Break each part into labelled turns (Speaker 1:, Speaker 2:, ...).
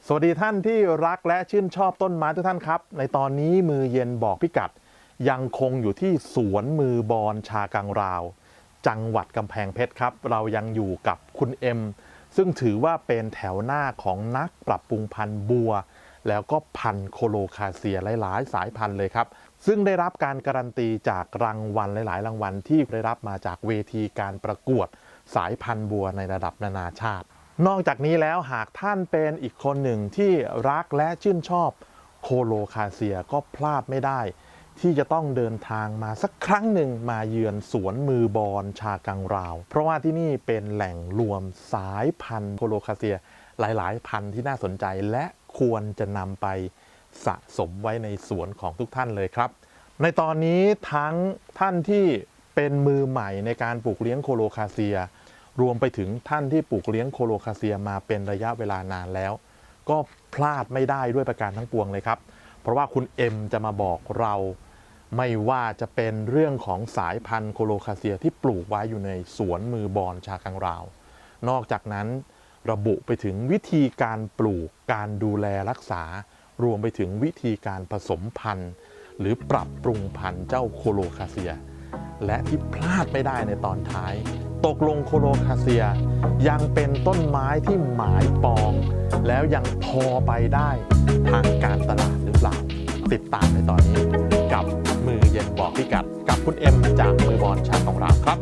Speaker 1: สวัสดีท่านที่รักและชื่นชอบต้นไม้ทุกท่านครับในตอนนี้มือเย็นบอกพิกัดยังคงอยู่ที่สวนมือบอนชากังราวจังหวัดกำแพงเพชรครับเรายังอยู่กับคุณเอ็มซึ่งถือว่าเป็นแถวหน้าของนักปรับปรุงพันธุ์บัวแล้วก็พันธุ์โคโลคาเซียหลายๆสายพันธุ์เลยครับซึ่งได้รับการการันตีจากรางวัลหลายๆรางวัลที่ได้รับมาจากเวทีการประกวดสายพันธุ์บัวในระดับนานาชาตินอกจากนี้แล้วหากท่านเป็นอีกคนหนึ่งที่รักและชื่นชอบโคโลคาเซียก็พลาดไม่ได้ที่จะต้องเดินทางมาสักครั้งหนึ่งมาเยือนสวนมือบอนชากังราวเพราะว่าที่นี่เป็นแหล่งรวมสายพันธุ์โคโลคาเซียหลายๆพันธุ์ที่น่าสนใจและควรจะนำไปสะสมไว้ในสวนของทุกท่านเลยครับในตอนนี้ทั้งท่านที่เป็นมือใหม่ในการปลูกเลี้ยงโคโลคาเซียรวมไปถึงท่านที่ปลูกเลี้ยงโคโลคาเซียมาเป็นระยะเวลานานแล้วก็พลาดไม่ได้ด้วยประการทั้งปวงเลยครับเพราะว่าคุณเอ็มจะมาบอกเราไม่ว่าจะเป็นเรื่องของสายพันธุ์โคโลคาเซียที่ปลูกไว้อยู่ในสวนมือบอนชากังราวนอกจากนั้นระบุไปถึงวิธีการปลูกการดูแลรักษารวมไปถึงวิธีการผสมพันธุ์หรือปรับปรุงพันธุ์เจ้าโคโลคาเซียและที่พลาดไม่ได้ในตอนท้ายตกลงโคโลคาเซียยังเป็นต้นไม้ที่หมายปองแล้วยังพอไปได้ทางการตลาดหรือเปล่าติดตามในตอนนี้กับมือเย็นบอกพิกัดกับคุณเอ็มจากมือบอลชาของเราครับ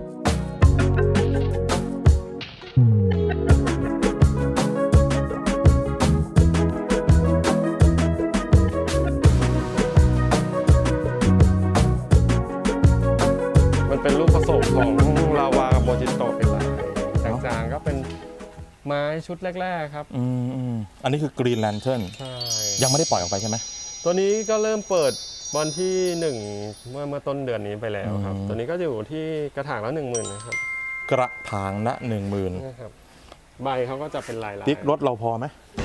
Speaker 2: มันเป็นลูกผสมของลาวากับโมจิโตะเป็นลายจางๆก็เป็นไม้ชุดแรกๆครับ
Speaker 1: อันนี้คือกรีนแลนเทิร์น
Speaker 2: ใช่
Speaker 1: ยังไม่ได้ปล่อยออกไปใช่ไหม
Speaker 2: ตัวนี้ก็เริ่มเปิดวันที่1เมื่อต้นเดือนนี้ไปแล้วครับตัวนี้ก็อยู่ที่กระถางละ10,000นะครับ
Speaker 1: กระถางละ10,000
Speaker 2: นะครับใบเขาก็จะเป็นลาย
Speaker 1: ติ๊กรถเราพอไหม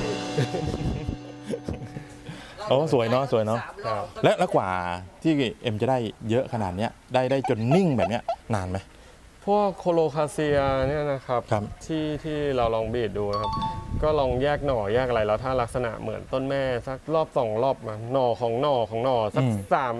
Speaker 1: โอ้สวยเนาะสวยเนาะและกว่าที่เอ็มจะได้เยอะขนาดนี้ได้จนนิ่งแบบเนี้ยนานไหม
Speaker 2: พวกโคโลคาเซียเนี่ยนะครับที่เราลองบีดดูครับก็ลองแยกหน่อแยกอะไรแล้วถ้าลักษณะเหมือนต้นแม่สักรอบ2 รอบมาหน่อของหน่อสัก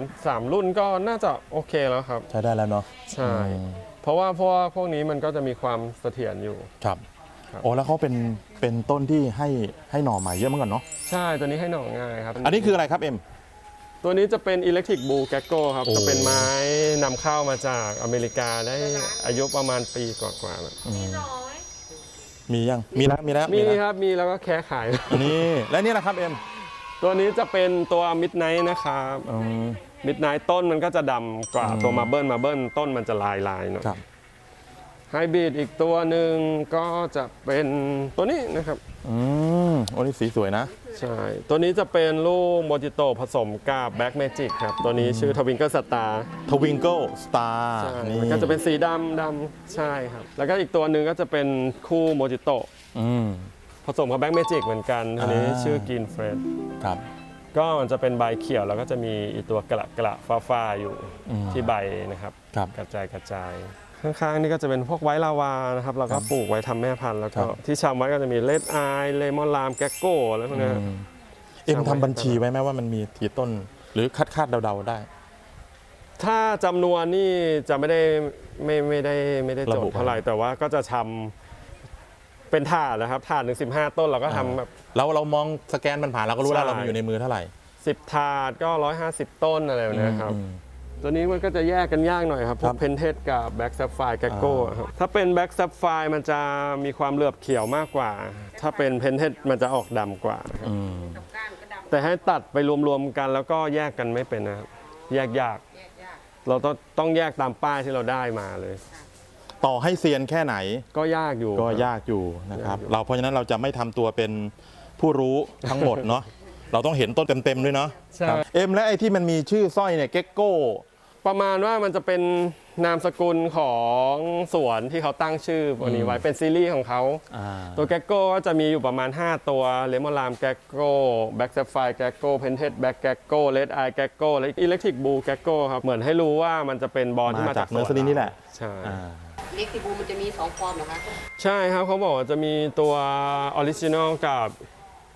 Speaker 2: 3รุ่นก็น่าจะโอเคแล้วครับ
Speaker 1: ใช้ได้แล้วเนาะ
Speaker 2: ใช่เพราะว่าพวกนี้มันก็จะมีความเสถียรอยู่
Speaker 1: ครับโอ้แล้วเขาเป็นต้นที่ให้หน่อใหม่เยอะเหมือนกันเนาะ
Speaker 2: ใช่ตัวนี้ให้หน่อง่ายครับ
Speaker 1: อันนี้คืออะไรครับเอ็ม
Speaker 2: ตัวนี้จะเป็น Electric Blue Gecko ครับจะเป็นไม้นำเข้ามาจากอเมริกาได้อายุประมาณปีกว่าๆแล้ว
Speaker 1: มียังมีแล้ว
Speaker 2: ครับมีแล้วก็แค่ขาย
Speaker 1: นี่และนี่นะครับเอ็ม
Speaker 2: ตัวนี้จะเป็นตัว Midnight นะครับMidnight ต้นมันก็จะดำกว่าตัว Marble ต้นมันจะลายหน่อยไฮบริดอีกตัวหนึ่งก็จะเป็นตัวนี้นะครับ
Speaker 1: โอ้นี่สีสวยนะ
Speaker 2: ใช่ตัวนี้จะเป็นลูกโมจิโตะผสมกับแบล็กเมจิกครับตัวนี้ชื่อทวิงเกิลสตาร์นี่มันก็จะเป็นสีดำใช่ครับแล้วก็อีกตัวหนึ่งก็จะเป็นคู่โมจิโตะผสมกับแบล็กเมจิกเหมือนกันตัวนี้ชื่อกินเฟรด
Speaker 1: ครับ
Speaker 2: ก็มันจะเป็นใบเขียวแล้วก็จะมีอีตัวกระฟ้าอยู่ที่ใบนะครับกระจายข้างๆนี่ก็จะเป็นพวกไวท์ลาวานะครับเราก็ปลูกไว้ทำแม่พันธุ์แล้วก็ที่ชำไว้ก็จะมีเลดไอเลมอนลามแกกโก้อะไรพวกนี้
Speaker 1: เอ็มทำบัญชีไว้ไหมว่ามันมีกี่ต้นหรือคาดเดาได้
Speaker 2: ถ้าจำนวนนี่จะไม่ได้จดเท่าไหร่แต่ว่าก็จะทำเป็นถาดนะครับถาด15 ต้นเราก็ทำแบบ
Speaker 1: เรามองสแกนมันผ่านเราก็รู้แล้วเรามีอยู่ในมือเท่าไหร่
Speaker 2: 10 ถาดก็150 ต้นอะไรแบบนี้ครับตัวนี้มันก็จะแยกกันยากหน่อยครับพวกเพนเทสกับแบ็กซับไฟร์แกกโก้ครับถ้าเป็นแบ็กซับไฟร์มันจะมีความเหลือบเขียวมากกว่าถ้าเป็นเพนเทสมันจะออกดำกว่าแต่ให้ตัดไปรวมๆกันแล้วก็แยกกันไม่เป็นนะครับแยกยากเราต้องแยกตามป้ายที่เราได้มาเลย
Speaker 1: ต่อให้เซียนแค่ไหน
Speaker 2: ก็ยากอยู่
Speaker 1: นะครับเพราะฉะนั้นเราจะไม่ทำตัวเป็นผู้รู้ทั้งหมดเนาะเราต้องเห็นต้นเต็มๆด้วยเนาะเอ็มและไอ้ที่มันมีชื่อสร้อยเนี่ยเก็กโก้
Speaker 2: ประมาณว่ามันจะเป็นนามสกุลของสวนที่เขาตั้งชื่อตัวนี้ไว้เป็นซีรีส์ของเขาตัวแกกโก้ก็จะมีอยู่ประมาณ5ตัวเลมอนลามแกกโก้แบ็กแซฟไฟร์แกกโก้เพนเทสแบ็กแกกโก้เลดไอแกกโก้และอิเล็กทริกบูแกกโก้ครับเหมือนให้รู้ว่ามันจะเป็นบอลที่มาจาก
Speaker 1: เนอร์เซอรี่นี่แหละ
Speaker 2: ใช่
Speaker 3: อิเล็กทริกบูมันจะมี2 ฟอร์มเหรอคะ
Speaker 2: ใช่ครับเขาบอกว่าจะมีตัวออริจินอลกับ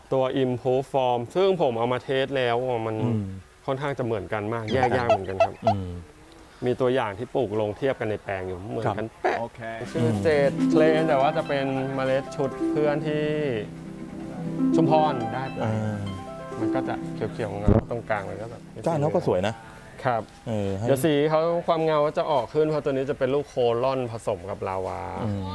Speaker 2: ตัว Improve Form ซึ่งผมเอามาเทสแล้วมันค่อนข้างจะเหมือนกันมากแยกยากเหมือนกันครับมีตัวอย่างที่ปลูกลงเทียบกันในแปลงอยู่เหมือนกันเป๊ะชื่อเจดเคลนแต่ว่าจะเป็นเมล็ดชุดเพื่อนที่ชุมพรได้ไปมันก็จะเขียวๆเงาตรงกลางมันก็แบบ
Speaker 1: ก้านเขาก็สวยนะครับ
Speaker 2: เดี๋ยวสีเขาความเงาจะออกขึ้นเพราะตัวนี้จะเป็นลูกโคลอนผสมกับลาวา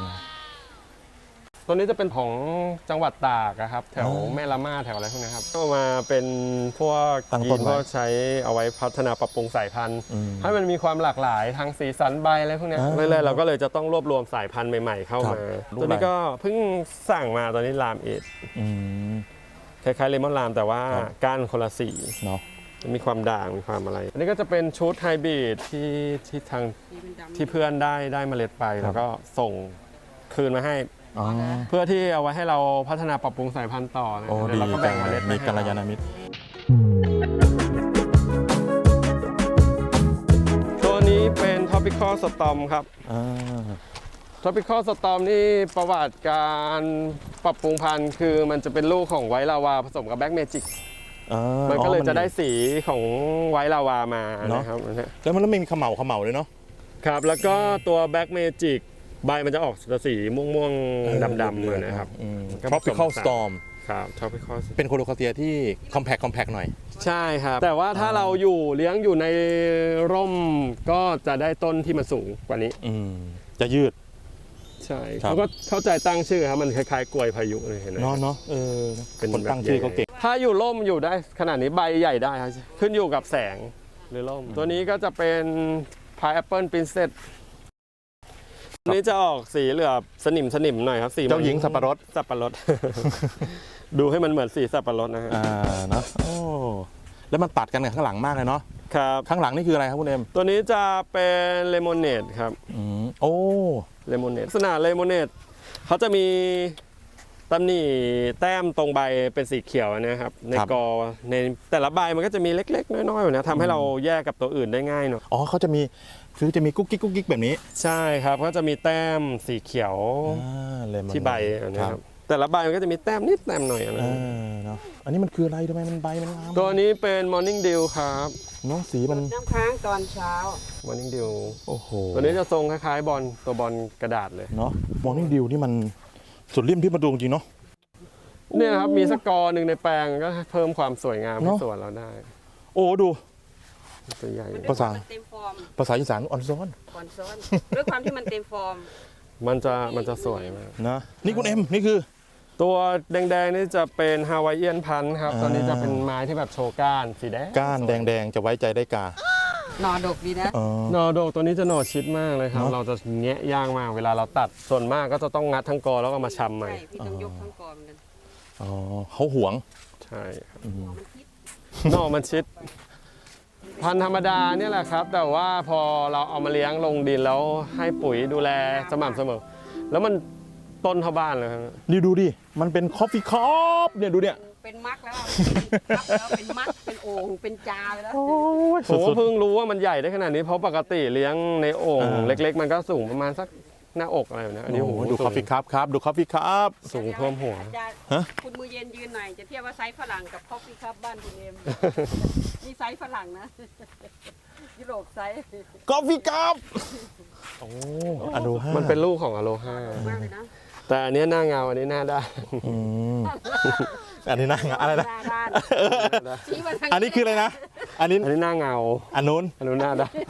Speaker 2: ตัวนี้จะเป็นของจังหวัดตากครับแถวแม่ละมาแถวอะไรพวกนี้ครับก็มาเป็นพวกยีนพวกใช้เอาไว้พัฒนาปรับปรุงสายพันธุ์ให้มันมีความหลากหลายทางสีสันใบอะไรพวกนี้เรื่อยๆเราก็เลยจะต้องรวบรวมสายพันธุ์ใหม่ๆเข้ามาตัวนี้ก็เพิ่งสั่งมาตอนนี้ลามเอทคล้ายๆเลมอนลามแต่ว่าก้านคนละสีเนาะมีความด่างมีความอะไรอันนี้ก็จะเป็นชุดไฮบริดที่ทางที่เพื่อนได้เมล็ดไปแล้วก็ส่งคืนมาให้เพื่อที่เอาไว้ให้เราพัฒนาปรับปรุงสายพันธุ์ต่อนะเดี๋ยวเราก็แบ่งเมล็ดมีกัลยาณมิตรตัวนี้เป็น Tropical Storm ครับ Tropical Storm นี่ประวัติการปรับปรุงพันธุ์คือมันจะเป็นลูกของไวท์ลาวาผสมกับแบล็กเมจิกมันก็เลยจะได้สีของไวท์ลาวามานะครับ
Speaker 1: แล้วมันมีเขม่าเลยเนาะ
Speaker 2: ครับแล้วก็ตัวแบล็กเมจิกใบมันจะออกสีม่วงๆดำๆเลยนะครับ
Speaker 1: Tropical Storm
Speaker 2: ครับ Tropical
Speaker 1: เป็นโคโลคาเซียที่ compact หน่อย
Speaker 2: ใช่ครับแต่ว่าถ้าเราเลี้ยงอยู่ในร่มก็จะได้ต้นที่มันสูงกว่านี้
Speaker 1: จะยืด
Speaker 2: ใช่เขาก็เข้าใจตั้งชื่อครับมันคล้ายๆกล้วยพายุเลยเห็นไหม
Speaker 1: เนาะเป็นคนตั้งชื่อเขาเก่ง
Speaker 2: ถ้าอยู่ร่มอยู่ได้ขนาดนี้ใบใหญ่ได้ครับขึ้นอยู่กับแสงหรือร่มตัวนี้ก็จะเป็น Pineapple Princessตัวนี้จะออกสีเหลือบสนิมหน่อยครับสี
Speaker 1: เจ้าหญิงสับปะรด
Speaker 2: ดูให้มันเหมือนสีสับปะรดนะฮะ
Speaker 1: เนาะโอ้แล้วมันตัดกันกับข้างหลังมากเลยเนาะ
Speaker 2: ครับ
Speaker 1: ข้างหลังนี่คืออะไรครับคุณเอ็ม
Speaker 2: ตัวนี้จะเป็นเลมอนเนดครับ
Speaker 1: โอ้
Speaker 2: เลมอนเนดลักษณะเลมอนเนดเขาจะมีตำหนิแต้มตรงใบเป็นสีเขียวนะครับในกอในแต่ละใบมันก็จะมีเล็กๆน้อยๆแบบนี้ทำให้เราแยกกับตัวอื่นได้ง่ายหน่อย
Speaker 1: เขาจะมีกุ๊กกิ๊กแบบนี้
Speaker 2: ใช่ครับก็จะมีแต้มสีเขียวที่ใบนะครับแต่ละใบมันก็จะมีแต้มนิดแต้มหน่อยนะ
Speaker 1: อันนี้มันคืออะไรทำไมมันใบมันงาม
Speaker 2: ตัวนี้เป็น Morning Dew ครับ
Speaker 1: น้องสีมัน
Speaker 3: น้ำค้างตอนเช้า
Speaker 2: Morning Dew
Speaker 1: โอ้โห
Speaker 2: ตัวนี้จะทรงคล้ายๆตัวบอลกระดาษเลย
Speaker 1: เนาะ Morning Dew นี่มันสุดริมที่ประดูจริงเนาะ
Speaker 2: เนี่ยครับมีสกอร์หนึ่งในแปลงก็เพิ่มความสวยงามให้สวนเราได้
Speaker 1: โอ้ดู
Speaker 2: ตัวใหญ่
Speaker 3: ภาษา
Speaker 1: อีสานอ่อนซ้อน
Speaker 3: ด้วยความที่มันเต็มฟอร์ม
Speaker 2: มันจะสวยมาก
Speaker 1: นะนี่คุณเอ็มนี่คือ
Speaker 2: ตัวแดงๆนี่จะเป็นฮาวายเอียนพันธุ์ครับตอนนี้จะเป็นไม้ที่แบบโชว์ก้านสีแดง
Speaker 1: ก้านแดงๆจะไว้ใจได้กา
Speaker 3: หน่อดกดีนะ
Speaker 2: หน่อดกตัวนี้จะหน่อชิดมากเลยครับเราจะแงะย่างมากเวลาเราตัดส่วนมากก็จะต้องงัดทั้งกอแล้วก็มาชำใหม่
Speaker 3: พี่ต้องยกทั้งกอเหมือนกัน
Speaker 1: เขาหวง
Speaker 2: ใช่ครับหน่อมันชิดพันธุ์ธรรมดาเนี่ยแหละครับแต่ว่าพอเราเอามาเลี้ยงลงดินแล้วให้ปุ๋ยดูแลสม่ำเสมอแล้วมันต้นเท่าบ้านเลยครับ
Speaker 1: นี่ดูดิมันเป็นคอฟฟี่คัพเนี่ยดูเนี่ย
Speaker 3: เป็นมักแล้วเป็นมักเป็นโอ่งเป็นจาไปแล้ว
Speaker 2: ผมเพิ่งรู้ว่ามันใหญ่ได้ขนาดนี้เพราะปกติเลี้ยงในโอ่งเล็กๆมันก็สูงประมาณสักหน้าอกอะไรแบบนี้อันนี้
Speaker 1: ดูคอฟฟี่คัพดูคอฟฟี่คัพ
Speaker 2: สูงเพิ่มหัว
Speaker 3: คุณมือเย็นยืนหน่อยจะเทียบว่าไซส์ฝรั่งกับคอฟฟี่คัพบ้านคุณเอ็มนี่ไซส์ฝรั่งนะยุโรปไซส์
Speaker 1: คอฟฟี่คัพโอ้อโลฮา
Speaker 2: มันเป็นลูกของอโลฮาแต่อันนี้หน้าเงาอันนี้หน้าด้าน
Speaker 1: อันนี้หน้าเงาอะไรนะอันนี้คืออะไรนะอันนี้
Speaker 2: หน้าเงา
Speaker 1: อันนู้น
Speaker 2: หน้าด้าน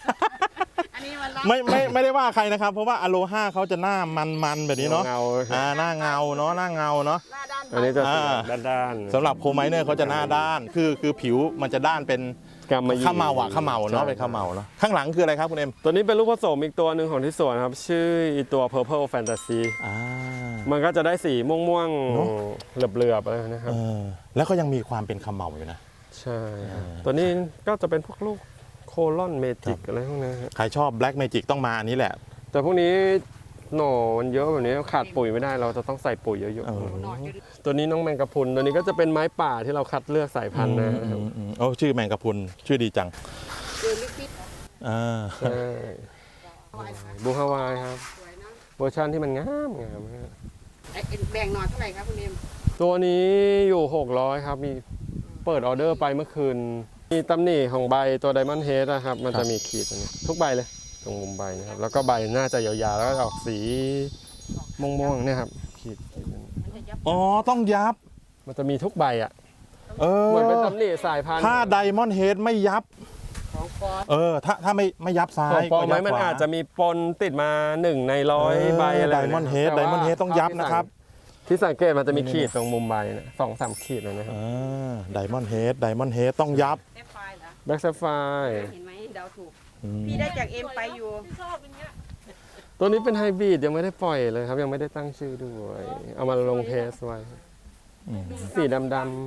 Speaker 1: ไม่ได้ว่าใครนะครับเพราะว่าอโลฮาเขาจะหน้ามันแบบนี้เนาะหน้าเงาเนาะหน้าเงาเนาะ
Speaker 2: อันนี้จะด้าน
Speaker 1: สำหรับโคไมเนอร์เขาจะหน้าด้านคือผิวมันจะด้านเป็นข้าวเมาเนาะเป็นข้าวเมาเนาะข้างหลังคืออะไรครับคุณเอ็ม
Speaker 2: ตัวนี้เป็นลูกผสมอีกตัวหนึ่งของที่สวนครับชื่อตัว Purple Fantasy มันก็จะได้สีม่วงๆเหลือบๆอะไรนะครับ
Speaker 1: แล้วก็ยังมีความเป็นข้าวเมาอยู่นะ
Speaker 2: ใช่ตัวนี้ก็จะเป็นพวกลูกโคลอนเมจิกอะไรพวกนี้
Speaker 1: ใครชอบแบล็กเมจิกต้องมาอันนี้แหละ
Speaker 2: แต่พวกนี้หน่อมันเยอะแบบนี้ขาดปุ๋ยไม่ได้เราจะต้องใส่ปุ๋ยเยอะๆตัวนี้น้องแมงกะพรุนตัวนี้ก็จะเป็นไม้ป่าที่เราคัดเลือกสายพันธุ์นะครับ
Speaker 1: ชื่อแมงกะพรุนชื่อดีจัง
Speaker 2: ใช่บูฮาวายครับเวอร์ชันที่มันงาม
Speaker 3: แบ่งหน่อเท่าไหร่ครับคุณเอ็ม
Speaker 2: ตัวนี้อยู่ 600 ครับ มีเปิดออเดอร์ไปเมื่อคืน มีตำหนิของใบตัว Diamond Head นะครับ มันจะมีขีดตรงนี้ทุกใบเลยตรงมุมใบนะครับ แล้วก็ใบน่าจะยาวๆ แล้วก็ออกสีม่วงๆเนี่ยครับขีด
Speaker 1: อ๋อต้องยับ
Speaker 2: มันจะมีทุกใบอ่ะ
Speaker 1: เออ
Speaker 2: เหมือนเป็นตำหนิสายพันธุ์
Speaker 1: ถ้าไดมอนด์เฮดไม่ยับ
Speaker 3: ของฟอส
Speaker 1: ถ้าไม่ยับซ้า
Speaker 2: ขอย งปลอมไหม
Speaker 1: ก็ยับ
Speaker 2: มัน
Speaker 1: ขว
Speaker 2: อาจจะมีปนติดมา1 ใน 100 ใบอะไร
Speaker 1: ไดมอนด์เฮด
Speaker 2: แต่
Speaker 1: ได
Speaker 2: ว่าม
Speaker 1: อนด์เฮดต้องยับนะครับ
Speaker 2: ที่สังเกตมันจะมีขีดตรงมุมใบนะ2-3 ขีดนะครับ
Speaker 1: ไดมอนด์เฮดต้องยับ
Speaker 3: เอฟไฟเหรอ
Speaker 2: แบ็กแซฟไฟ
Speaker 3: เห็นไหมเดาถูก พี่ได้จากเอ็มไปอยู่
Speaker 2: ตัวนี้เป็นไฮบริดยังไม่ได้ปล่อยเลยครับ ยังไม่ได้ตั้งชื่อด้วย เอามาลงเทสไว้ สีดำ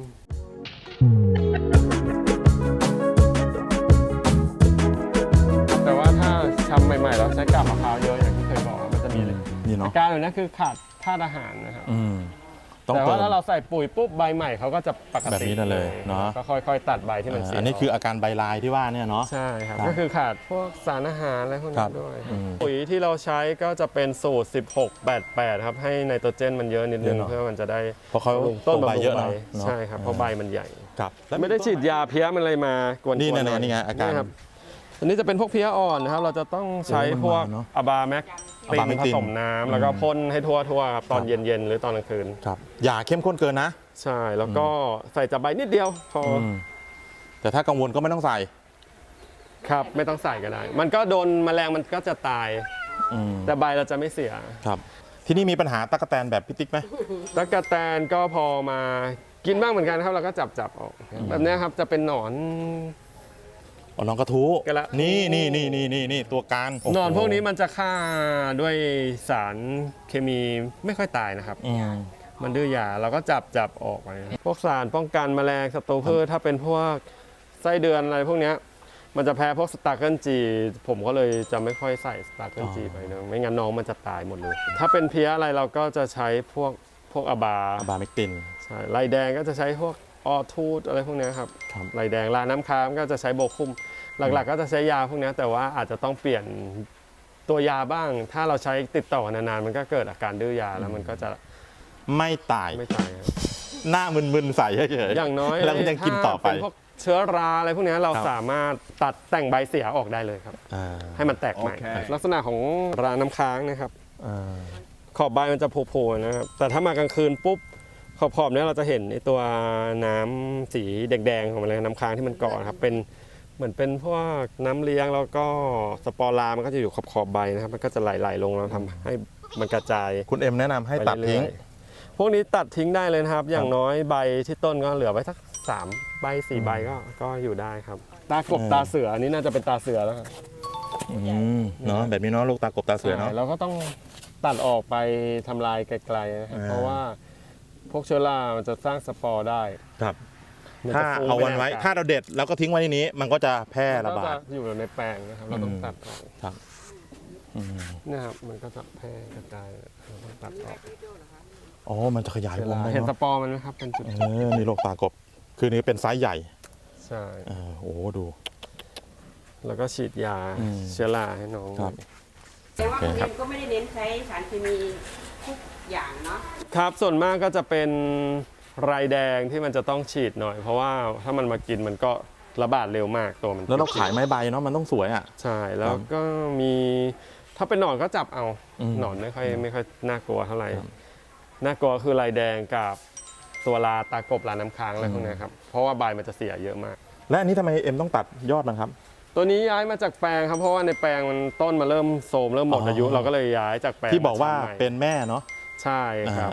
Speaker 2: แต่ว่าถ้าชำใหม่ๆเราใช้กาบมะพร้าวเยอะอย่างที่เคยบอกมันจะมีเลย
Speaker 1: นี่เนาะ
Speaker 2: อาการอยู่นั้นคือขาดธาตุอาหารนะครับ
Speaker 1: ต้อง
Speaker 2: แต่
Speaker 1: เติ
Speaker 2: ว่าม ถ้าเราใส่ปุ๋ยปุ๊บใบใหม่เขาก็จะปกติ
Speaker 1: แบบนี้นั่นเลยเนอะ
Speaker 2: ก็ค่อยๆตัดใบที่มันเสีย
Speaker 1: อันนี้คืออาการใบลายที่ว่าเนี่ยเนาะ
Speaker 2: ใช่ครับ
Speaker 1: ครับ
Speaker 2: ก็คือขาดพวกสารอาหารอะไรพวก
Speaker 1: ครั
Speaker 2: นี้
Speaker 1: บ
Speaker 2: ด้วย
Speaker 1: อืม
Speaker 2: ปุ๋ยที่เราใช้ก็จะเป็นสูตร 16-88 ครับให้ไนโตรเจนมันเยอะนิดนึง
Speaker 1: เยอะเนอะ
Speaker 2: เพื่อมันจะได้
Speaker 1: เพราะเขา
Speaker 2: บำรุงต้น
Speaker 1: ใบบ
Speaker 2: ำรุ
Speaker 1: เย
Speaker 2: ง
Speaker 1: อะ
Speaker 2: ใบ
Speaker 1: เนอะ
Speaker 2: ใช่ครับเพราะใบมันใหญ่
Speaker 1: ครับแล้ว
Speaker 2: ไม่ได้ฉีดยาเพี้ยมันอะไรมากวนๆ
Speaker 1: นี่
Speaker 2: หอย
Speaker 1: นี่ไงอาการ
Speaker 2: ครับอันนี้จะเป็นพวกเพี้ยอ่อนนะครับ เราจะต้องใช้พวก
Speaker 1: เออมันมาเนอะ
Speaker 2: อะบาแม็กตินผสมน้ำแล้วก็พ่นให้ทั่วๆครับตอนเย็นๆหรือตอนกลางคืน
Speaker 1: ครับอย่าเข้มข้นเกินนะ
Speaker 2: ใช่แล้วก็ใส่จับใบนิดเดียวพออ
Speaker 1: แต่ถ้ากังวลก็ไม่ต้องใส่
Speaker 2: ครับไม่ต้องใส่ก็ได้ มันก็โดนแมลงมันก็จะตาย แต่ใบเราจะไม่เสีย
Speaker 1: ครับ ที่นี่มีปัญหาตั๊กแตนแบบพิติ๊กไหม
Speaker 2: ตั๊กแตนก็พอมากินบ้างเหมือนกันครับเราก็จับออกแบบนี้ครับจะเป็นหนอน
Speaker 1: อ๋อน้องกระทู้
Speaker 2: กระ
Speaker 1: นี่ตัวการ
Speaker 2: หนอนพวกนี้มันจะฆ่าด้วยสารเคมีไม่ค่อยตายนะครับ มันดื้อยาเราก็จับออกไปพวกสารป้องกันแมลงศัตรูพืชถ้าเป็นพวกไส้เดือนอะไรพวกเนี้ยมันจะแพ้พวกสตาร์เกิลจีผมก็เลยจะไม่ค่อยใส่สตาร์เกิลจีไปเนอะไม่งั้นน้องมันจะตายหมดเลย ถ้าเป็นเพี้ยอะไรเราก็จะใช้พวกอบา
Speaker 1: บาเมกติน
Speaker 2: ใช่ลายแดงก็จะใช้พวกออทูดอะไรพวกเนี้ยครับ
Speaker 1: ครับ
Speaker 2: ลายแดงลาน้ำค้างก็จะใช้โบคุมหลักๆ ก็จะใช้ยาพวกเนี้ยแต่ว่าอาจจะต้องเปลี่ยนตัวยาบ้าง ถ้าเราใช้ติดต่อกันนานๆมันก็เกิดอาการดื้อยาแล้วมันก็จะ
Speaker 1: ไม่ตาย
Speaker 2: ไม่ตายครับ
Speaker 1: หน้ามึนๆใส่เฉยๆ
Speaker 2: อย่างน้อย
Speaker 1: แล้วมันยังกินต่อไป
Speaker 2: ถ้าเป็นพวกเชื้อราอะไรพวกเนี้ยเรา
Speaker 1: ครับ
Speaker 2: สามารถตัดแต่งใบเสียออกได้เลยครับ ให้มันแตกใหม่ ลักษณะของราน้ำค้างนะครับ ขอบใบมันจะโผล่ๆนะครับ แต่ถ้ามากลางคืนปุ๊บขอบๆเนี้ยเราจะเห็นไอตัวน้ำสีแดงๆของมันเลยน้ำค้างที่มันเกาะนะครับเป็นเหมือนเป็นพวกน้ำเลี้ยงแล้วก็สปอร์รามันก็จะอยู่ขอบใบนะครับ มันก็จะไหลๆลงแล้วทำให้มันกระจาย
Speaker 1: คุณเอ็มแนะนำให้ตัดทิ้ง
Speaker 2: ไปเรื่อยๆพวกนี้ตัดทิ้งได้เลยนะครับ อย่างน้อยใบที่ต้นก็เหลือไว้สัก3 ใบ 4 ใบก็อยู่ได้ครับ ตากบตาเสืออันนี้น่าจะเป็นตาเสือแล้วครับ
Speaker 1: เนาะแบบนี้เนาะลูกตากบตาเสือเนาะ
Speaker 2: ใช่เราก็ต้องตัดออกไปทำลายไกลๆนะครับเพราะว่าพวกเชื้อรามันจะสร้างสปอร์ได้
Speaker 1: ครับ
Speaker 2: มัน
Speaker 1: ถ้า
Speaker 2: จะฟู
Speaker 1: เอาวันไว้
Speaker 2: ปในกศ
Speaker 1: ถ้าเราเด็ดแล้วก็ทิ้งไว้ในนี้ มันก็จะแพร่ระบา
Speaker 2: ก็
Speaker 1: ด
Speaker 2: จอยู่ในแปลงนะครับเราต้องตัดออก
Speaker 1: ครับ
Speaker 2: เนี่ยครับมันก็จะแพร่กระจายเราต้องตัดออก
Speaker 1: อ๋อมันจะขยายวงได้
Speaker 2: เห็นส
Speaker 1: เนาะ
Speaker 2: ปอร์มันไหมครับเป็นจุด
Speaker 1: นี่ลูกตากบ คือนี้เป็นไซส์ใหญ่
Speaker 2: ใช่
Speaker 1: โอ้โหดู
Speaker 2: แล้วก็ฉีดยาเชื้อราให้น้อง
Speaker 1: ครับ
Speaker 3: แต่ว่าคุณเอ็มก็ไม่ได้เน้นใช้สารเคมีทุกอย่างเนาะ
Speaker 2: ครับส่วนมากก็จะเป็นไรแดงที่มันจะต้องฉีดหน่อย เพราะว่าถ้ามันมากินมันก็ระบาดเร็วมากตัวมัน
Speaker 1: แล้วเราขายไม้ใบเนาะมันต้องสวยอ่ะ
Speaker 2: ใช่แล้วก็มีถ้าเป็นหนอนก็จับเอา
Speaker 1: อืม
Speaker 2: หนอนไม่ค่อยน่ากลัวเท่าไหร่น่ากลัวคือไรแดงกับตัวลาตากบลาน้ำค้างอะไรพวกเนี้ยครับเพราะว่าใบมันจะเสียเยอะมาก
Speaker 1: และอันนี้ทำไมเอ็มต้องตัดยอดนะครับ
Speaker 2: ตัวนี้ย้ายมาจากแปลงครับเพราะว่าในแปลงมันต้นมาเริ่มโทรมเริ่มหมดอายุ เราก็เลยย้ายจากแปลง
Speaker 1: ที่บอกว่า
Speaker 2: มาทำใหม่
Speaker 1: เป็นแม่เนาะ
Speaker 2: ใช่ครับ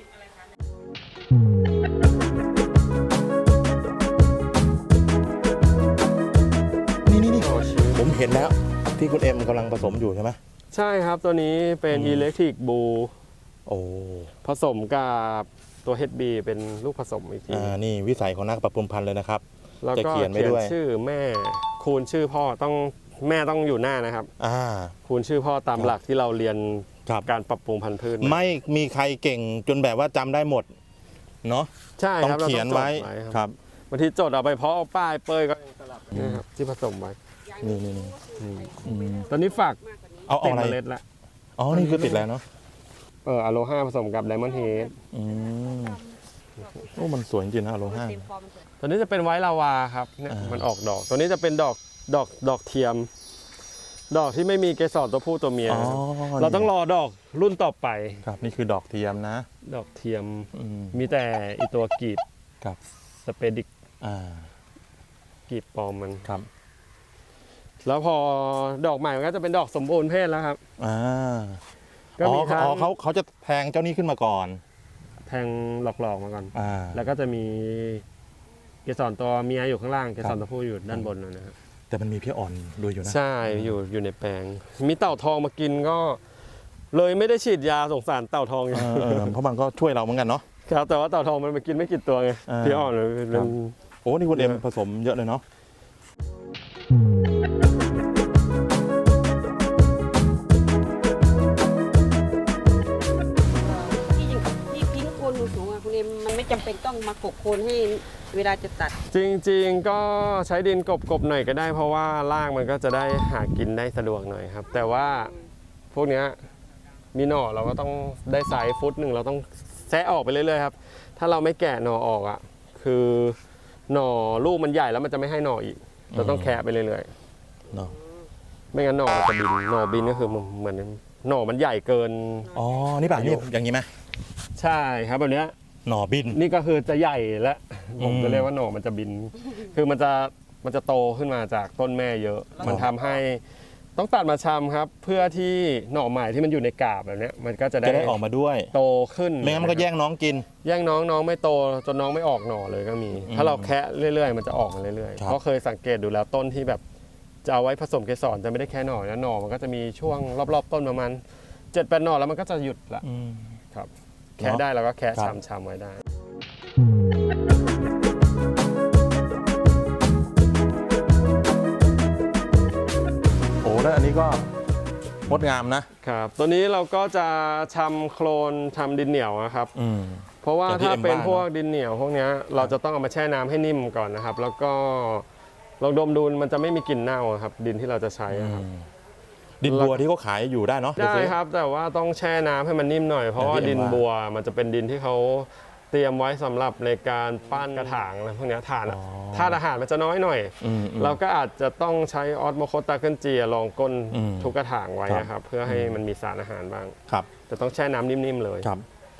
Speaker 1: นี่ผมเห็นแล้วที่คุณเอ็มกำลังผสมอยู่ใช่ไหม
Speaker 2: ใช่ครับตัวนี้เป็นอิเล็กทริกบู
Speaker 1: โอ้
Speaker 2: ผสมกับตัว HB เป็นลูกผสมอีกที
Speaker 1: นี่วิสัยของนักปรับปรุงพันธุ์เลยนะครับ
Speaker 2: แล้วก็
Speaker 1: จะเขียนไว้ด้วย
Speaker 2: ชื่อแม่คูณชื่อพ่อต้องแม่ต้องอยู่หน้านะครับ คูณชื่อพ่อตามหลักที่เราเรียน
Speaker 1: ครับ
Speaker 2: การปรับปรุงพันธุ์พืชมา
Speaker 1: ไม่มีใครเก่งจนแบบว่าจำได้หมดเนาะ
Speaker 2: ใช่
Speaker 1: ต้อง
Speaker 2: ครับรา
Speaker 1: เขียนไว้
Speaker 2: จด
Speaker 1: ครับ
Speaker 2: บางทีจดเอาไปเพาะเอาป้ายเป้ยก็ยังสลับนะครับที่ผสมไว้
Speaker 1: นี่
Speaker 2: ตอนนี้ฝาก
Speaker 1: เอา
Speaker 2: ติด
Speaker 1: อะไร
Speaker 2: เมล็ดละ
Speaker 1: อ๋อนี่คือติดแล้วเนาะ
Speaker 2: อโลฮาผสมกับไดมอนด์เฮด
Speaker 1: อืมโอ้มันสวยจริงๆนะโล
Speaker 3: มัน
Speaker 1: ห้า
Speaker 3: เต็มฟอร์มมันสวย
Speaker 2: ตัวนี้จะเป็นไวท์ลาวาครับเนี่ย
Speaker 1: อ่ามั
Speaker 2: มันออกดอก ตัวนี้จะเป็นดอกเทียม ดอกที่ไม่มีเกสรตัวผู้ตัวเมีย
Speaker 1: อ๋อ
Speaker 2: เราต้องรอดอกรุ่นต่อไป
Speaker 1: ครับนี่คือดอกเทียมนะ
Speaker 2: ดอกเทียม
Speaker 1: อืม
Speaker 2: มีแต่อีตัวกรีบ
Speaker 1: ครับ
Speaker 2: สเปดิก
Speaker 1: อ่าก
Speaker 2: รีบปลอมมัน
Speaker 1: ครับ
Speaker 2: แล้วพอดอกใหม่มันก็จะเป็นดอกสมบูรณ์เพศแล้วครับ
Speaker 1: อ่า
Speaker 2: ก็
Speaker 1: อ๋อ
Speaker 2: มีทั้ง
Speaker 1: เขาจะแทงเจ้านี้ขึ้นมาก่อน
Speaker 2: แทงหลอกๆมาก่อน
Speaker 1: อ่า
Speaker 2: แล้วก็จะมีเกสรตัวเมียอยู่ข้างล่าง เกสรตัวผู้อยู่ด้านบนนะครับ
Speaker 1: แต่มันมีพี่อ่อนด้วยอยู่นะ
Speaker 2: ใช่อยู่ในแปลง มีเต่าทองมากินก็ เลยไม่ได้ฉีดยาสงสารเต่าทองอยู่
Speaker 1: เพราะมันก็ช่วยเราเหมือนกันเนาะ
Speaker 2: ครับแต่ว่าเต่าทองมันมากินไม่กี่ตัวไง
Speaker 1: อ่า
Speaker 2: พี่อ่อนเลย
Speaker 1: ครับ โอ้นี่คุณเอ็มผสมเยอะเลยเนาะ
Speaker 3: ที่ยิงที่ทิ้งโคนสูงๆอ่ะคุณเอ็มมันไม่จำเป็นต้องมากบโคนให้เวลาจะตัด
Speaker 2: จริงๆก็ใช้ดินกบๆหน่อยก็ได้ เพราะว่ารากมันก็จะได้หากินได้สะดวกหน่อยครับ แต่ว่าพวกเนี้ยมีหน่อเราก็ต้องได้ไซส์ฟุตหนึ่งเราต้องแซะออกไปเรื่อยๆครับ ถ้าเราไม่แกะหน่อออกอ่ะคือหน่อลูกมันใหญ่แล้วมันจะไม่ให้หน่ออีก เราต้องแคะไปเรื่อยๆ
Speaker 1: เนาะ
Speaker 2: ไม่งั้นหน่อมันจะบินหน่อบินก็คือเหมือนหน่อมันใหญ่เกิน
Speaker 1: อ๋อนี่ป่ะนี่อย่างนี้ไหม
Speaker 2: ใช่ครับแบบเนี้ย
Speaker 1: หน่อบิน
Speaker 2: นี่ก็คือจะใหญ่และผม
Speaker 1: อืม
Speaker 2: จะเรียกว่าหน่อมันจะบิน คือมันจะโตขึ้นมาจากต้นแม่เยอะ มันทำให้ต้องตัดมาชำครับ เพื่อที่หน่อใหม่ที่มันอยู่ในกาบแบบเนี้ยมันก็จะ
Speaker 1: จะได้ออกมาด้วย
Speaker 2: โตขึ้น
Speaker 1: ไม่งั้นมันก็แย่งน้องกิน
Speaker 2: แย่งน้องไม่โตจนน้องไม่ออกหน่อเลยก็มี ถ้าเราแคะเรื่อยๆ มันจะออกมาเรื่อยๆ
Speaker 1: ครับ
Speaker 2: เพราะเคยสังเกตดูแล้วต้นที่แบบจะเอาไว้ผสมเกสรจะไม่ได้แค่หน่อนะหน่อมันก็จะมีช่วงรอบๆต้นประมาณ7-8 หน่อแล้วมันก็จะหยุดละ
Speaker 1: อืม
Speaker 2: ครับแคะได้เราก็แคะ
Speaker 1: ครับ
Speaker 2: ชำๆไว้ได้
Speaker 1: โอ้แล้วอันนี้ก็งดงามนะ
Speaker 2: ครับตัวนี้เราก็จะชำโคลนทำดินเหนียวนะครับ
Speaker 1: อืม
Speaker 2: เพราะว่า
Speaker 1: อย่างที่
Speaker 2: ถ้าเป็น
Speaker 1: เอ็มว่า
Speaker 2: พวกดินเหนียวพวกเนี้ยเราจะต้องเอามาแช่น้ำให้นิ่มก่อนนะครับ แล้วก็ลองดมดูมันจะไม่มีกลิ่นเน่าครับ ดินที่เราจะใช้อะครับ
Speaker 1: ดินบัวที่เขาขายอยู่ได้เนาะ
Speaker 2: ได้ครับแต่ว่าต้องแช่น้ำให้มันนิ่มหน่อยเพราะว่า
Speaker 1: อย่างที่
Speaker 2: ดิน
Speaker 1: เอ็มว่า
Speaker 2: บัวมันจะเป็นดินที่เขาเตรียมไว้สำหรับในการปั้นกระถางอะไรพวกเนี้ยถ่าน
Speaker 1: อ๋อ
Speaker 2: ธาตุอาหารมันจะน้อยหน่อย
Speaker 1: อืม
Speaker 2: เราก็อาจจะต้องใช้ออสโมโคตาเกิลเจียรองก้น
Speaker 1: อืม
Speaker 2: ทุกกระถางไว้
Speaker 1: ครับ
Speaker 2: นะครับเพื่อให้มันมีสารอาหารบ้าง
Speaker 1: ครับ
Speaker 2: แต่ต้องแช่น้ำนิ่มๆเลย
Speaker 1: ครับ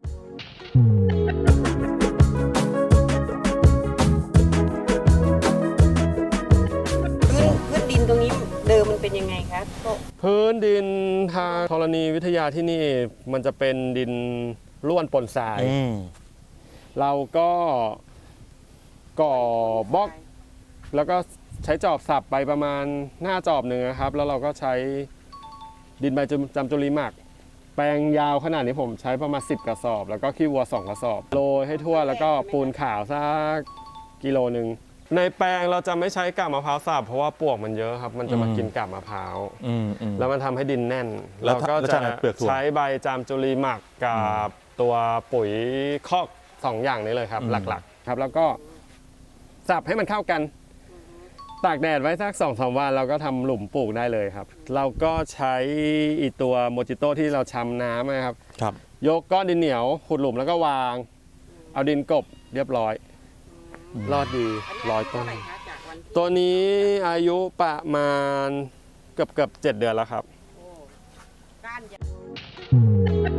Speaker 3: พื้นดินตรงนี้เดิมมันเป็นยังไงคะก็
Speaker 2: พื้นดินทางธรณีวิทยาที่นี่มันจะเป็นดินร่วนปนทราย
Speaker 1: อืม
Speaker 2: เราก็ก่อบล็อก แล้วก็ใช้จอบสับไปประมาณหน้าจอบหนึ่งนะครับ แล้วเราก็ใช้ดินใบจำจุลีหมัก แปลงยาวขนาดนี้ผมใช้ประมาณ10 กระสอบ แล้วก็ขี้วัว2 กระสอบโรยให้ทั่วแล้วก็ปูนขาวสักกิโลหนึ่งในแปลงเราจะไม่ใช้กาบมะพร้าวสับเพราะว่าปลวกมันเยอะครับ มันจะมากินกาบมะพร้าว
Speaker 1: อืมอืม
Speaker 2: แล้วมันทำให้ดินแน่น
Speaker 1: แล้
Speaker 2: เรา
Speaker 1: ว
Speaker 2: ก็
Speaker 1: แล้ว
Speaker 2: จะ
Speaker 1: ใช้เปลือกถั่ว
Speaker 2: ใช้ใบจามจุลีหมักกับตัวปุ๋ยคอก2 อย่างนี้เลยครับ
Speaker 1: อืม
Speaker 2: หลักๆครับ แล้วก็สับให้มันเข้ากัน ตากแดดไว้สัก2-3 วันเราก็ทำหลุมปลูกได้เลยครับ เราก็ใช้อีตัวโมจิโต้ที่เราชำน้ำนะครับ
Speaker 1: ครับ
Speaker 2: ยกก้อนดินเหนียวขุดหลุมแล้วก็วาง เอาดินกลบเรียบร้อย รอดดี
Speaker 3: อันนี้
Speaker 2: 100 ต้น
Speaker 3: เท่าไหร่คะจากวันที่
Speaker 2: ตัวนี้อายุประมาณเกือบ7 เดือนแล้วครับ
Speaker 3: โอ้ก้านยาว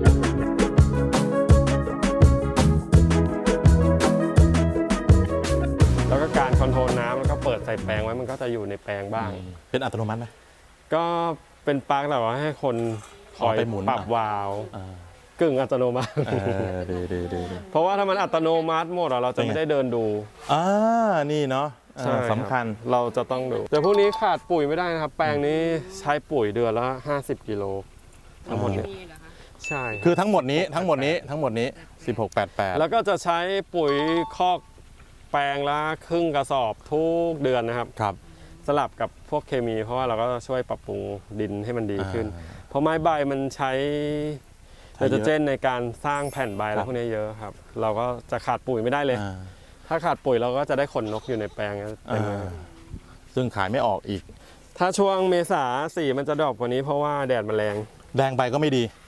Speaker 2: แล้วก็การคอนโทรลน้ำแล้วก็เปิดใส่แปลงไว้มันก็จะอยู่ในแปลงบ้าง
Speaker 1: เป็นอัตโนมัติไหม
Speaker 2: ก็เป็นปลั๊กแต่ว่าให้คนคอย
Speaker 1: เอาไปหมุน
Speaker 2: ปรับวาล์ว
Speaker 1: อ่า
Speaker 2: กึ่งอัตโนมัติ
Speaker 1: ดีดีดีดี
Speaker 2: เพราะว่าถ้ามันอัตโนมัติหมดอะเราจะไม่ได้เดินดู
Speaker 1: อ่านี่เนาะ
Speaker 2: ใช่รับ
Speaker 1: สำคัญ
Speaker 2: เราจะต้องดู แต่พวกนี้ขาดปุ๋ยไม่ได้นะครับ แปลงนี้ใช้ปุ๋ยเดือนละ50 กิโลทั้งหมดเนี่ย
Speaker 3: มีเหรอคะ
Speaker 2: ใช่รับ
Speaker 1: คือทั้งหมดนี้1688
Speaker 2: แล้วก็จะใช้ปุ๋ยคอกแปลงละครึ่งกระสอบทุกเดือนนะครับ
Speaker 1: ครับ
Speaker 2: สลับกับพวกเคมี เพราะว่าเราก็ช่วยปรับปรุงดินให้มันดีขึ้น
Speaker 1: อ่า
Speaker 2: เพราะไม้ใบมันใช้
Speaker 1: ใช้
Speaker 2: ไน
Speaker 1: เยอะ
Speaker 2: โตรเจนในการสร้างแผ่นใบ
Speaker 1: ค
Speaker 2: แล้
Speaker 1: รั
Speaker 2: ว
Speaker 1: บ
Speaker 2: พวกนี้เยอะครับ เราก็จะขาดปุ๋ยไม่ได้เลย
Speaker 1: อ่า
Speaker 2: ถ้าขาดปุ๋ยเราก็จะได้ขนนกอยู่ในแปลงเต็มเลย
Speaker 1: อ่าซึ่งขายไม่ออกอีก
Speaker 2: ถ้าช่วงเมษาสีมันจะดรอปกว่านี้เพราะว่าแดดมันแรง
Speaker 1: แดงไปก็ไม่ดี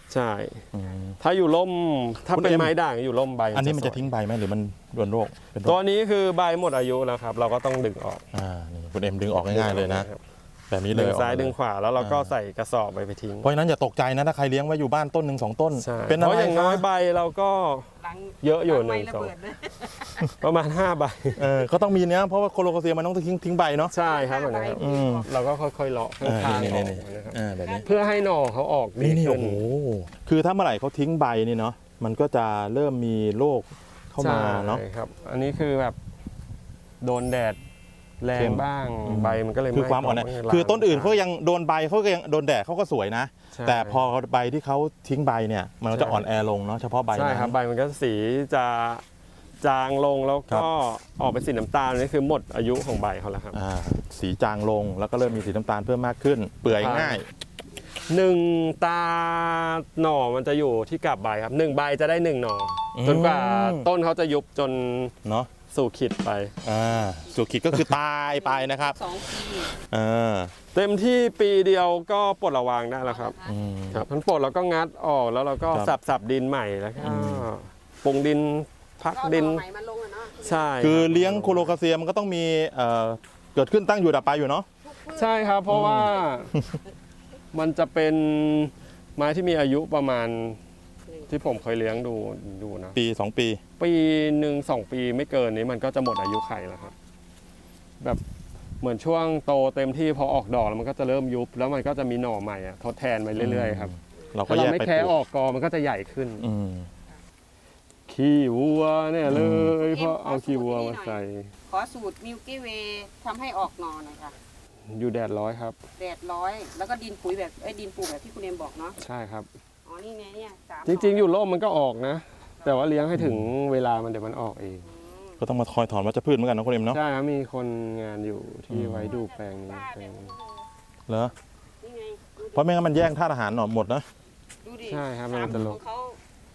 Speaker 2: ใช่
Speaker 1: อืม
Speaker 2: ถ้าอยู่ร่มถ้า
Speaker 1: คุณ
Speaker 2: เป็น
Speaker 1: เอ็ม
Speaker 2: ไม้ด่างอยู่ร่มใบ
Speaker 1: อันนี้มันจะ
Speaker 2: สวย
Speaker 1: ทิ้งใบไหมหรือมันโดนโรคเป็นโร
Speaker 2: ตัว
Speaker 1: ค
Speaker 2: นี้คือใบหมดอายุแล้วครับ เราก็ต้องดึงออก
Speaker 1: นี่คุณเอ็มดึงออกง่ายๆเลยนะ
Speaker 2: ครับ
Speaker 1: แบบนี้เล
Speaker 2: ดึ
Speaker 1: ย
Speaker 2: งซ้าย
Speaker 1: ออกมเล
Speaker 2: ดึงขวาแล้วเราก็
Speaker 1: อ่า
Speaker 2: ใส่กระสอบไปทิ้ง
Speaker 1: เพราะฉะนั้นอย่าตกใจนะถ้าใครเลี้ยงไว้อยู่บ้านต้นหนึ่ง2 ต้น
Speaker 2: ใช่
Speaker 1: เป็น
Speaker 2: เพ
Speaker 1: อะไร
Speaker 2: ราะอย่างน้อย
Speaker 1: คะ
Speaker 2: ใบเราก็
Speaker 3: หลัง
Speaker 2: เยอะอยู่
Speaker 3: หลัง
Speaker 2: หนึ่
Speaker 3: ไม้
Speaker 2: ง
Speaker 3: ระ
Speaker 2: สอง
Speaker 3: เบิดเลย
Speaker 2: ประมาณ5 ใบ
Speaker 1: ก็ต้องมีเนี้ยเพราะว่าโคโลโคเซียมันต้องทิ้งใบเนาะ
Speaker 2: ใช่ครับแบบนี้ครับ
Speaker 1: อืม
Speaker 2: เราก็ค่อยๆเลาะข้างๆออกนะครับ
Speaker 1: แบบนี้
Speaker 2: เพื่อให้หน่อเขาออกดี
Speaker 1: นี่
Speaker 2: ขึ้
Speaker 1: โอ้โหคือถ้าเมื่อไหร่เขาทิ้งใบนี่เนาะมันก็จะเริ่มมีโรคเข้ามาเนาะ
Speaker 2: ใช่ครับ อันนี้คือแบบโดนแดดแร
Speaker 1: เข้
Speaker 2: ง
Speaker 1: ม
Speaker 2: บ้าง
Speaker 1: อืม
Speaker 2: ใบมันก็เลย
Speaker 1: คือความอ่อนแอ
Speaker 2: ไหม้
Speaker 1: คือต้นอื่นเขายังโดนใบเขาก็ยังโดนแดดเขาก็สวยนะ
Speaker 2: ใช่
Speaker 1: แต่พอใบที่เขาทิ้งใบเนี่ยมันก็จะอ่อนแอลงเนาะเฉพาะใบ
Speaker 2: ใช่
Speaker 1: นั้น
Speaker 2: ครับใบมันก็สีจะจางลงแล้ว
Speaker 1: ครั
Speaker 2: ก็
Speaker 1: บ
Speaker 2: ออกเป็นสีน้ำตาลนี่คือหมดอายุของใบเขาแล้วครับ
Speaker 1: สีจางลงแล้วก็เริ่มมีสีน้ำตาลเพิ่มมากขึ้น เปื่อยง่าย
Speaker 2: หนึ่งตาหน่อมันจะอยู่ที่กาบใบครับ1 ใบจะได้1 หน่ออ
Speaker 1: ม
Speaker 2: จนกว่าต้นเขาจะยุบจน
Speaker 1: เนาะ
Speaker 2: สู่ขีดไป
Speaker 1: สุขิดก็คือตายไปนะครับ
Speaker 3: 2 ปี
Speaker 1: อ่า
Speaker 2: เต็มที่ปีเดียวก็ปลดระวางได้แล้วครับ
Speaker 1: อืม
Speaker 2: ครับมันปลดแล้วก็งัดออกแล้วเราก็
Speaker 1: ครับ
Speaker 2: สับดินใหม่แล้วก็ปรุงดินพัก
Speaker 3: ก็
Speaker 2: ดิน
Speaker 3: ใหม่มาลงอะเนาะ
Speaker 2: ใช่
Speaker 1: คือ
Speaker 2: รับ
Speaker 1: เลี้ยงโคโลคาเซียมันก็ต้องมีเกิดขึ้นตั้งอยู่ดับไปอยู่เนาะ
Speaker 2: ใช่ครับ เพราะว่ามันจะเป็นไม้ที่มีอายุประมาณที่ผมเคยเลี้ยงดูนะ
Speaker 1: ปี 2 ปี
Speaker 2: ปีหนึ่ง2 ปีไม่เกินนี้มันก็จะหมดอายุไขแล้วครับ แบบเหมือนช่วงโตเต็มที่พอออกดอกแล้วมันก็จะเริ่มยุบ แล้วมันก็จะมีหน่อใหม่อะทดแทนไปเรื่อยๆครับ
Speaker 1: เราก็
Speaker 2: ถ้า
Speaker 1: แย
Speaker 2: เรา
Speaker 1: ก
Speaker 2: ไม่
Speaker 1: ไป
Speaker 2: แค่
Speaker 1: ปลู
Speaker 2: ออกกอมันก็จะใหญ่ขึ้น
Speaker 1: อืม
Speaker 2: ขี้วัวเนี่ยเลยเพราะเอาขี้วัวมาใส่
Speaker 3: ขอสูตรมิลกี้เวย์ทำให้ออกหนอหน่อยค่ะ
Speaker 2: อยู่แดดร้อยครับ
Speaker 3: แดดร้อยแล้วก็ดินปุ๋ยแบบดินปลูกแบบที่คุณเอมบอกเนาะ
Speaker 2: ใช่ครับ
Speaker 3: อ๋อนี่ไงเนี่ย3
Speaker 2: จริงๆ อยู่ร่มมันก็ออกนะ แต่ว่าเลี้ยงให้ถึงเวลามันเดี๋ยวมันออกเอง
Speaker 1: ก็ต้องมาคอยถอนวัชพืชเหมือนกันนะคุณเอ็มเนาะ
Speaker 2: ใช่ครับมีคนงานอยู่ที่ไว้ดูแปลงนี้แปลงนี้
Speaker 1: เหรอ
Speaker 3: นี่ไงดูดิ
Speaker 1: เพราะไม่งั้นมันแย่งธาตุอาหารหน่อหมดนะ
Speaker 3: ดูดิ
Speaker 2: ใช่ครับมัน
Speaker 3: สาม
Speaker 2: จะล
Speaker 3: ข
Speaker 2: ง
Speaker 3: องเขา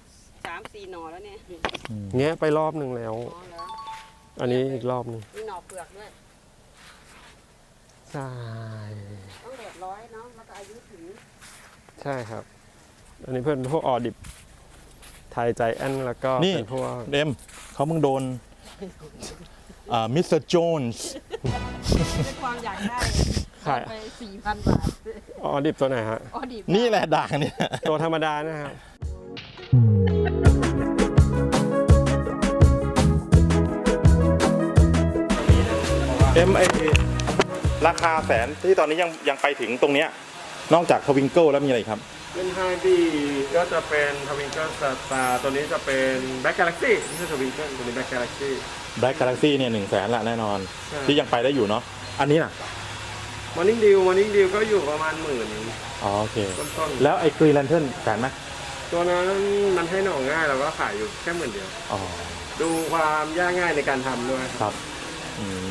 Speaker 3: 3-4 หน่อแล้วเนี่ย
Speaker 2: แงะไปรอบหนึ่งแล้ว
Speaker 3: อ๋อเหรอ
Speaker 2: อันนี้อีกรอบหนึง
Speaker 3: มีหน่อเปลือกด้วย
Speaker 2: ใช่
Speaker 3: ต้องแดดร้อยเนาะแล้วก็อายุถึง
Speaker 2: ใช่ครับ อันนี้เพื่อนพวกออดิบไทยใจแอนแล้วก็
Speaker 1: นี่
Speaker 2: เป็นพวก
Speaker 1: เอ็มเขามึงโดนมิสเตอร์โจนส์
Speaker 3: ด้วยความอยากได้
Speaker 2: ขาย
Speaker 3: ไป 4,000 บาท
Speaker 2: ออดิบตัวไหนฮะ
Speaker 3: อ๋อดี
Speaker 1: นี่แหละด่างเนี่ย
Speaker 2: ตัวธรรมดานะครับ
Speaker 1: เอ็มราคาแสนที่ตอนนี้ยังไปถึงตรงเนี้ยนอกจากทวิงเกิลแล้วมีอะไรอีกครับ
Speaker 2: เป็นไฮบีก็จะเป็นทวิงเกิลสตาร์ตัวนี้จะเป็นแบ็กกาแล็กซี่ไม่ใช่ทวิงเกิลตัวนี้แบ็กกาแล็กซี่
Speaker 1: Black Galaxy เนี่ย100,000ละแน่นอน
Speaker 2: ใช่
Speaker 1: ที่ยังไปได้อยู่เนาะอันนี้น่ะ
Speaker 2: มอร์นิ่งดิวก็อยู่ประมาณ10,000
Speaker 1: อ๋อโอเค
Speaker 2: ต้น
Speaker 1: แล้วไอ้กรีแลนเทิร์นแสนไหม
Speaker 2: ๆตัวนั้นมันให้หน่อง่ายเราก็ขายอยู่แค่10,000
Speaker 1: อ๋อ
Speaker 2: ดูความยากง่ายในการทำด้วย
Speaker 1: ครับอืม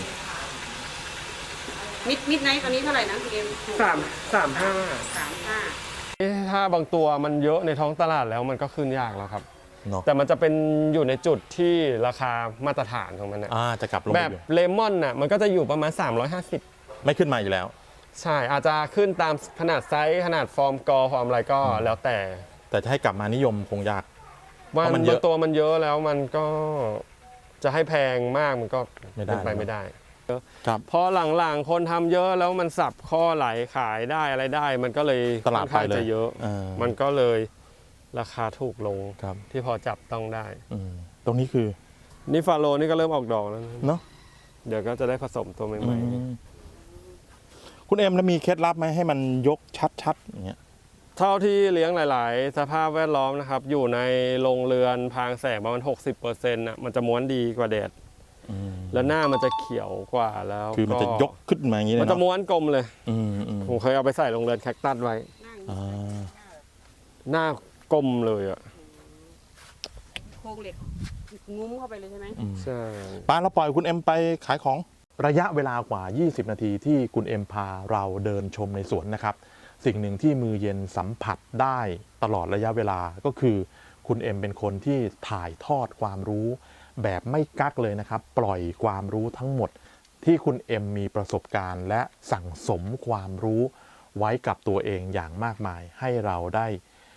Speaker 3: มิดไนท์ตอนนี้เท่าไหร่นะคุณเอ็ม
Speaker 2: 335
Speaker 3: 35
Speaker 2: ถ้าบางตัวมันเยอะในท้องตลาดแล้วมันก็ขึ้นยากแล้วครับ
Speaker 1: เนาะ
Speaker 2: แต่มันจะเป็นอยู่ในจุดที่ราคามาตรฐานของมันนะ
Speaker 1: จะกลับลง
Speaker 2: แบ
Speaker 1: ไป
Speaker 2: บ
Speaker 1: อยู่
Speaker 2: เลมอนน่ะมันก็จะอยู่ประมาณ350
Speaker 1: ไม่ขึ้นมาอยู่แล้ว
Speaker 2: ใช่อาจจะขึ้นตามขนาดไซส์ขนาดฟอร์มกอฟอร์มอะไรก็แล้วแต่
Speaker 1: แต่จะให้กลับมานิยมคงยาก
Speaker 2: ว่า
Speaker 1: เพราะมันเยอะ
Speaker 2: บางตัวมันเยอะแล้วมันก็จะให้แพงมากมันก็
Speaker 1: ไม่ได้
Speaker 2: เป็นไปไม่ได้
Speaker 1: ครับ
Speaker 2: พอหลังๆคนทำเยอะแล้วมันสับข้อไหลขายได้อะไรได้ มันก็เลย
Speaker 1: ตลาด
Speaker 2: ค่อนข้าง
Speaker 1: ไปเลย
Speaker 2: จะเยอะ
Speaker 1: มั
Speaker 2: มันก็เลยราคาถูกลง
Speaker 1: ครับ
Speaker 2: ที่พอจับต้องได้
Speaker 1: ตรงนี้คือ
Speaker 2: นี่ฟาโลนี่ก็เริ่มออกดอกแล้วนะ
Speaker 1: เนาะ
Speaker 2: เดี๋ยวก็จะได้ผสมตัวใหม่
Speaker 1: คุณเอ็มแล้วมีเคล็ดลับไหมให้มันยกชัดๆอย่างเงี้ย
Speaker 2: ๆเท่าที่เลี้ยงหลาย ๆ สภาพแวดล้อมนะครับ อยู่ในโรงเรือนพางแสงประมาณ 60%น่ะมันจะม้วนดีกว่าแดด แล้วหน้ามันจะเขียวกว่าแล้ว
Speaker 1: คือมันจะยกขึ้นมาอย่างนี้เลย
Speaker 2: มันจะ
Speaker 1: เนาะ
Speaker 2: ม้วนกลมเลย
Speaker 1: อืมอืม
Speaker 2: ผมเคยเอาไปใส่โรงเรือนแคคตัสไว้
Speaker 3: นั่ง
Speaker 1: อ่า
Speaker 2: หน้ากลมเลยอ่ะ
Speaker 3: โครงเหล็กงุ้มเข้าไปเลยใช่ไหม
Speaker 2: ใช่
Speaker 1: ป้าเราปล่อยคุณเอ็มไปขายของระยะเวลากว่า 20 นาทีที่คุณเอ็มพาเราเดินชมในสวนนะครับ สิ่งหนึ่งที่มือเย็นสัมผัสได้ตลอดระยะเวลาก็คือคุณเอ็มเป็นคนที่ถ่ายทอดความรู้ แบบไม่กักเลยนะครับ ปล่อยความรู้ทั้งหมดที่คุณเอ็มมีประสบการณ์และสั่งสมความรู้ไว้กับตัวเองอย่างมากมาย ให้เราได้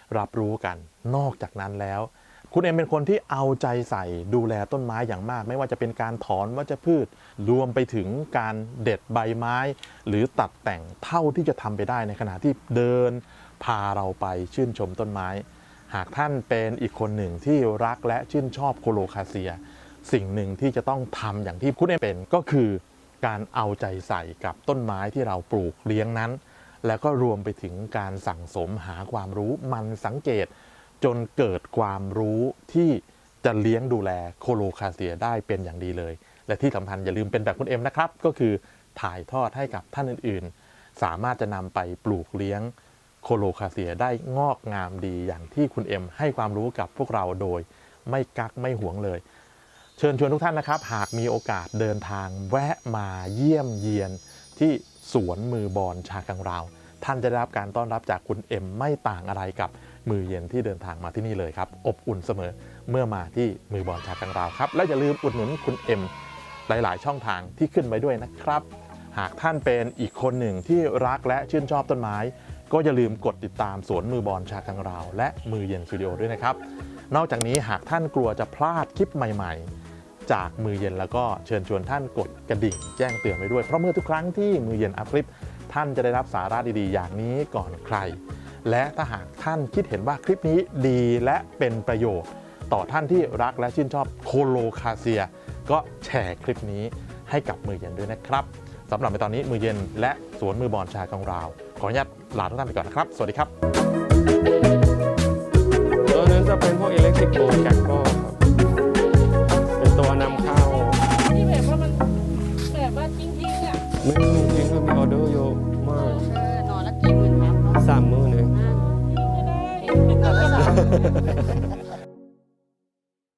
Speaker 1: รับรู้กัน นอกจากนั้นแล้ว คุณเอ็มเป็นคนที่เอาใจใส่ดูแลต้นไม้อย่างมาก ไม่ว่าจะเป็นการถอนวัชพืชรวมไปถึงการเด็ดใบไม้ หรือตัดแต่งเท่าที่จะทำไปได้ในขณะที่เดินพาเราไปชื่นชมต้นไม้ หากท่านเป็นอีกคนหนึ่งที่รักและชื่นชอบโคโลคาเซีย สิ่งหนึ่งที่จะต้องทำอย่างที่คุณเอ็มเป็นก็คือการเอาใจใส่กับต้นไม้ที่เราปลูกเลี้ยงนั้น แล้วก็รวมไปถึงการสั่งสมหาความรู้มันสังเกต จนเกิดความรู้ที่จะเลี้ยงดูแลโคโลคาเซียได้เป็นอย่างดีเลย และที่สำคัญอย่าลืมเป็นแบบคุณเอ็มนะครับก็คือถ่ายทอดให้กับท่านอื่นๆ สามารถจะนำไปปลูกเลี้ยงโคโลคาเซียได้งอกงามดีอย่างที่คุณเอ็มให้ความรู้กับพวกเราโดยไม่กักไม่หวงเลย เชิญชวนทุกท่านนะครับหากมีโอกาสเดินทางแวะมาเยี่ยมเยียนที่สวนมือบอลชากังราวท่านจะได้รับการต้อนรับจากคุณเอ็มไม่ต่างอะไรกับมือเย็นที่เดินทางมาที่นี่เลยครับอบอุ่นเสมอเมื่อมาที่มือบอลชากังราวครับและอย่าลืมอุดหนุนคุณเอ็มหลายๆช่องทางที่ขึ้นไว้ด้วยนะครับหากท่านเป็นอีกคนหนึ่งที่รักและชื่นชอบต้นไม้ก็อย่าลืมกดติดตามสวนมือบอลชากังราวและมือเย็นสตูดิโอด้วยนะครับนอกจากนี้หากท่านกลัวจะพลาดคลิปใหม่ๆจากมือเย็นแล้วก็เชิญชวนท่านกดกระดิ่งแจ้งเตือนไว้ด้วยเพราะเมื่อทุกครั้งที่มือเย็นอัพคลิปท่านจะได้รับสาระดีๆอย่างนี้ก่อนใครและถ้าหากท่านคิดเห็นว่าคลิปนี้ดีและเป็นประโยชน์ต่อท่านที่รักและชื่นชอบโคโลคาเซียก็แชร์คลิปนี้ให้กับมือเย็นด้วยนะครับสำหรับในตอนนี้มือเย็นและสวนมือบอลชากังราวขออนุญาตลาทุกท่านไปก่อนนะครับสวัสดีครับ
Speaker 2: ตัวนั้นจะเป็นพวกอิเล็กทริกโบแกโก้ครับเป็นตัวนำเข้า
Speaker 3: ที่แบบว่ามันแบบว่าจริงๆอ่ะ
Speaker 2: ไม่มีจริงๆมีออเดอร์เยอะมาก
Speaker 3: หนอนละกี่หมื่นครับเนาะ
Speaker 2: 3 มื้อเอง
Speaker 3: ก็ได้หนอนละ3